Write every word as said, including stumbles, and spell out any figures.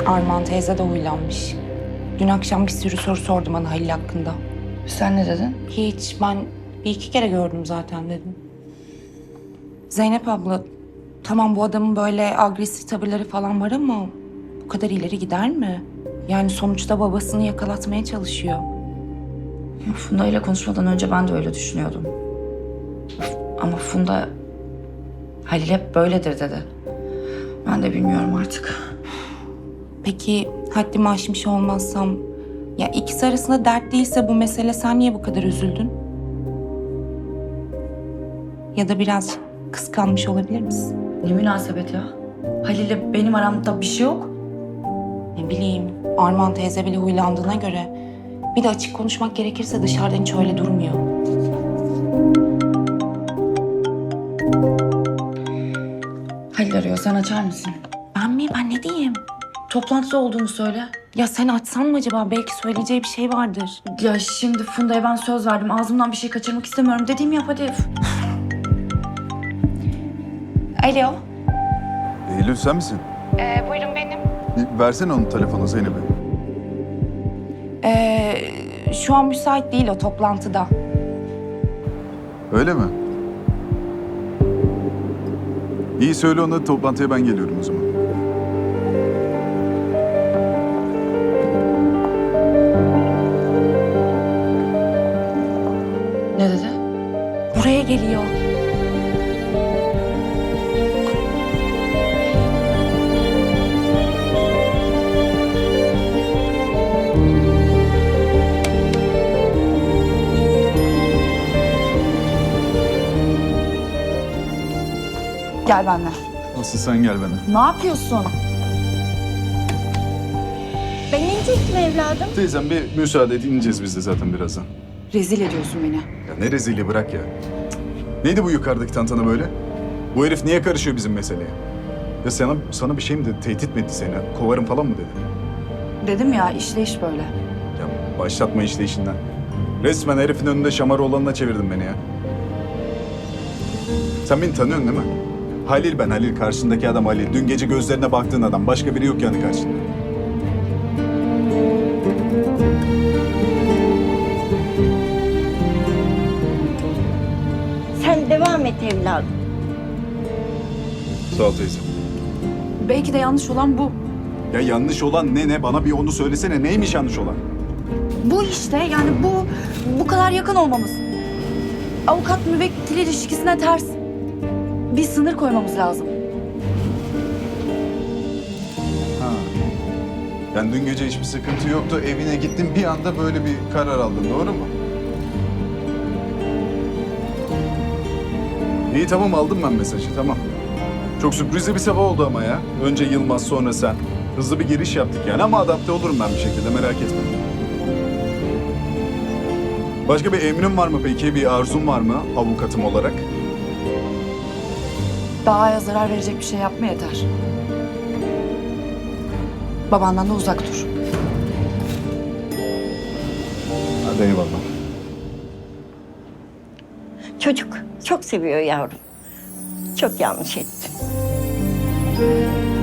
Armağan teyze de huylanmış. Dün akşam bir sürü soru sordu bana Halil hakkında. Sen ne dedin? Hiç, ben bir iki kere gördüm zaten dedim. Zeynep abla, tamam bu adamın böyle agresif tavırları falan var ama bu kadar ileri gider mi? Yani sonuçta babasını yakalatmaya çalışıyor. Funda ile konuşmadan önce ben de öyle düşünüyordum. Ama Funda Halil hep böyledir dedi. Ben de bilmiyorum artık. Peki haddimi aşmış olmazsam, ya ikisi arasında dert değilse bu mesele, sen niye bu kadar üzüldün? Ya da biraz kıskanmış olabilir misin? Ne münasebet ya? Halil'le benim aramda bir şey yok. Ne bileyim, Armağan teyze bile huylandığına göre. Bir de açık konuşmak gerekirse dışarıdan hiç öyle durmuyor. Halil arıyor, sen açar mısın? Ben mi? Ben ne diyeyim? Toplantıda olduğunu söyle. Ya sen açsan mı acaba? Belki söyleyeceği bir şey vardır. Ya şimdi Funda'ya ben söz verdim. Ağzımdan bir şey kaçırmak istemiyorum. Dediğimi yap hadi. Alo. Eylül sen misin? Ee, buyurun benim. Bir versene onun telefonu Zeynep'e. Ee, şu an müsait değil, o toplantıda. Öyle mi? İyi söyle ona, toplantıya ben geliyorum o zaman. Ne dedi? Buraya geliyor. Gel benimle. Asıl sen gel bana. Ne yapıyorsun? Ben inecektim evladım. Teyzem bir müsaade et, ineceğiz biz de zaten birazdan. Rezil ediyorsun beni. Ya ne rezili, bırak ya. Cık. Neydi bu yukarıdaki tantana böyle? Bu herif niye karışıyor bizim meseleye? Ya sana, sana bir şey mi dedi, tehdit mi etti seni? Kovarım falan mı dedi? Dedim ya işleyiş böyle. Ya başlatma işte işinden. Resmen herifin önünde şamar olanına çevirdin beni ya. Sen beni tanıyorsun değil mi? Halil ben, Halil. Karşındaki adam Halil. Dün gece gözlerine baktığın adam. Başka biri yok yani karşında. Sen devam et evladım. Sağ ol teyze. Belki de yanlış olan bu. Ya yanlış olan ne ne? Bana bir onu söylesene. Neymiş yanlış olan? Bu işte yani bu bu kadar yakın olmamız. Avukat müvekkil ilişkisine ters. Bir sınır koymamız lazım. Ha. Yani dün gece hiçbir sıkıntı yoktu. Evine gittin, bir anda böyle bir karar aldın. Doğru mu? İyi tamam, aldım ben mesajı, tamam. Çok sürprizli bir sabah oldu ama ya. Önce Yılmaz, sonra sen. Hızlı bir giriş yaptık yani ama adapte olurum ben bir şekilde, merak etme. Başka bir emrin var mı peki? Bir arzun var mı avukatım olarak? Davaya zarar verecek bir şey yapma yeter. Babandan da uzak dur. Hadi eyvallah. Çocuk çok seviyor yavrum. Çok yanlış ettin.